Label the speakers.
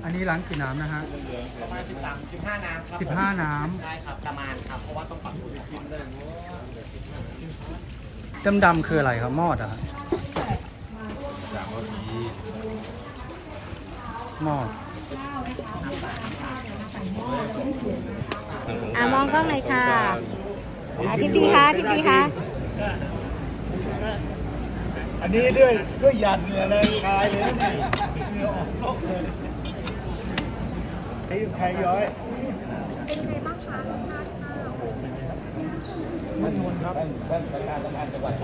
Speaker 1: อันนี้ล้างกี่น้ำนะฮะ
Speaker 2: ประมาณ15 น้ำครับ
Speaker 1: 15 น้
Speaker 2: ใช่ครับประมาณครับเพราะว่าต้องปรับอุณหภูมิเลย
Speaker 1: ำดำๆคืออะไรครับมอดอะฮะมอด
Speaker 3: มองกล้องเลยค่ะทิปดีคะทิปดีคะ
Speaker 2: อันนี้ด้วยหยาดเหงื่อเลยคายเลยนี่เหงื่อออกตกเลยใครย้อยเป็นไงบ้างคะรสชาติข้าวมันนวลครับ